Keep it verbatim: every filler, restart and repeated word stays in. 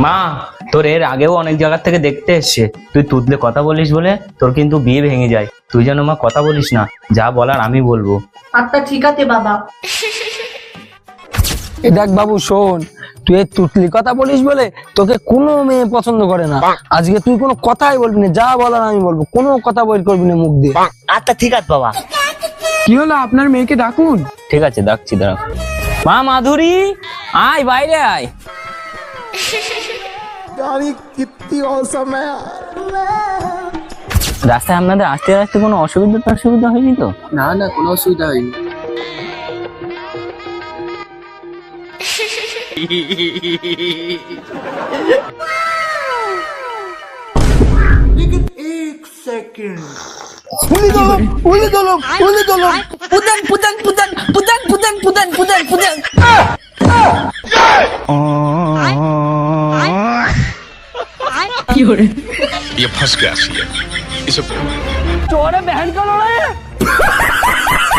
মা, তোর এর আগেও অনেক জায়গা থেকে দেখতে এসছে, তুই তুতলে কথা বলিস বলে তোর কিন্তু বিয়ে ভেঙে যায়। তুই যেন মা কথা বলিস না, যা বলার আমি বলবো। আচ্ছা ঠিক আছে বাবা। এ দেখ বাবু শোন, তুই এই তুতলি কথা বলিস বলে তোকে কোনো মেয়ে পছন্দ করে না। আজকে তুই কোনো কথাই বলবি না, যা বলার আমি বলবো, কোনো কথা বের করবি না মুখ দিয়ে। আচ্ছা ঠিক আছে বাবা। কি হলো, আপনার মেয়েকে ডাকুন। ঠিক আছে, ডাকছি, দাঁড়া। মা মাধুরী, আয় বাইরে আয়। রাস্তায় আপনাদের আসতে আসতে কোনো অসুবিধা অসুবিধা হয়নি তো? না না, কোনো অসুবিধা হয়নি। উলি দলম উলি দলম উলি দলম পুদান পুদান পুদান পুদান পুদান পুদান পুদান পুদান। ये फंस गया सी है इसे चोरे बहन का लड़ा है।